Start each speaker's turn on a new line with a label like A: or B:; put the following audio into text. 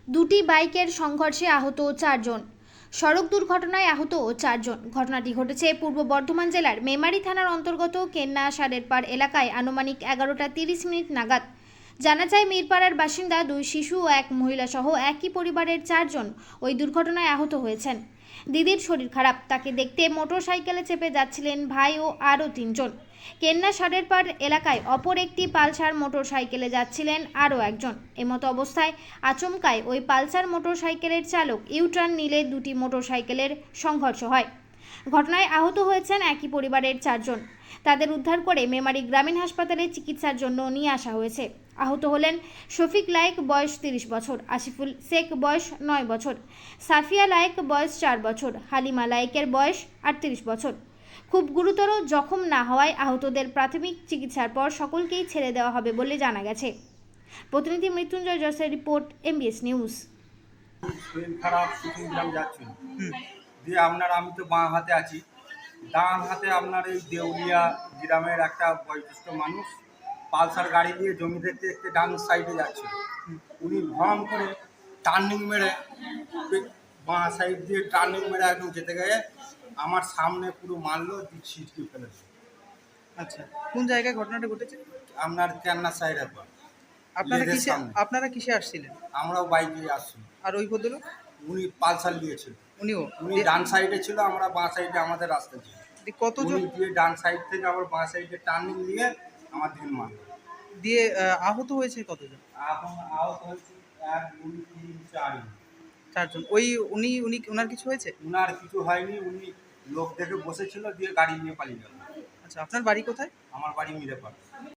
A: দুটি বাইকের সংঘর্ষে আহত 4 জন। সড়ক দুর্ঘটনায় আহত 4 জন। ঘটনাটি ঘটেছে পূর্ব বর্ধমান জেলার মেমারি থানার অন্তর্গত কেন্না সারেরপাড় এলাকায় আনুমানিক 11টা 30 মিনিট নাগাদ। জানা যায়, মিরপাড়ার বাসিন্দা 2 শিশু ও 1 মহিলা সহ একই পরিবারের 4 জন ওই দুর্ঘটনায় আহত হয়েছেন। দিদির শরীর খারাপ, তাকে দেখতে মোটরসাইকেলে চেপে যাচ্ছিলেন ভাই ও আরও 3 জন। কেন্না সারেরপাড় এলাকায় অপর একটি পালসার মোটরসাইকেলে যাচ্ছিলেন আরও একজন। এমতো অবস্থায় আচমকায় ওই পালসার মোটরসাইকেলের চালক ইউটার্ন নিলে দুটি মোটরসাইকেলের সংঘর্ষ হয়। ঘটনায় আহত হয়েছেন একই পরিবারের 4 জন। তাদের উদ্ধার করে মেমারি গ্রামীণ হাসপাতালে চিকিৎসার জন্য নিয়ে আসা হয়েছে। আহত হলেন শফিক লায়েক, বয়স 30 বছর, আসিফুল শেখ, বয়স 9 বছর, সাফিয়া লায়েক, বয়স 4 বছর, হালিমা লায়েকের বয়স 38 বছর। খুব গুরুতর জখম না হওয়ায় আহতদের প্রাথমিক চিকিৎসার পর সকলকেই ছেড়ে দেওয়া হবে বলে জানা গেছে। প্রতিনিধি মৃত্যুঞ্জয় জসের রিপোর্ট, MBS নিউজ।
B: শরীর খারাপ, সিকিম গ্রাম যাচ্ছিল দিয়ে আমি তো বাঁ হাতে আছি, ডান হাতে আপনার এই দেউলিয়া গ্রামের একটা বয়োজ্যেষ্ঠ মানুষ পালসার গাড়ি দিয়ে জমি দেখতে দেখতে ডান সাইডে যাচ্ছিল। উনি ভ্রম করে টার্নিং মেরে বাঁ সাইড দিয়ে টার্নিং মেরে একদম যেতে গিয়ে আমার সামনে পুরো মারলো, ছিটকে ফেলেছে।
C: আচ্ছা, কোন জায়গায় ঘটনাটা ঘটেছে?
B: আপনার কেন্না সাইড একবার।
C: আপনারা কিসে আসছিলেন?
B: আমরাও বাইকে আসছি।
C: আর ওই ভদ্রলোক?
B: উনি পালসার নিয়েছিল। উনি ডান সাইডে ছিল, আমরা বাঁ সাইডে আমাদের রাস্তা ছিল।
C: কতজন
B: দিয়ে ডান সাইড থেকে আবার বাঁ সাইডে টার্নিং নিয়ে আমার ঢিল মারল।
C: দিয়ে আহত হয়েছে কতজন?
B: এখন আহত হয়েছে 1 2 3 4
C: 4 জন। ওই উনি উনি ওনার কিছু হয়েছে?
B: উনার কিছু হয়নি, উনি লোক দেখে বসেছিল দিয়ে গাড়ি নিয়ে পালিয়ে গেল।
C: আচ্ছা, আপনার বাড়ি কোথায়?
B: আমার বাড়ি মিরেপাড়া।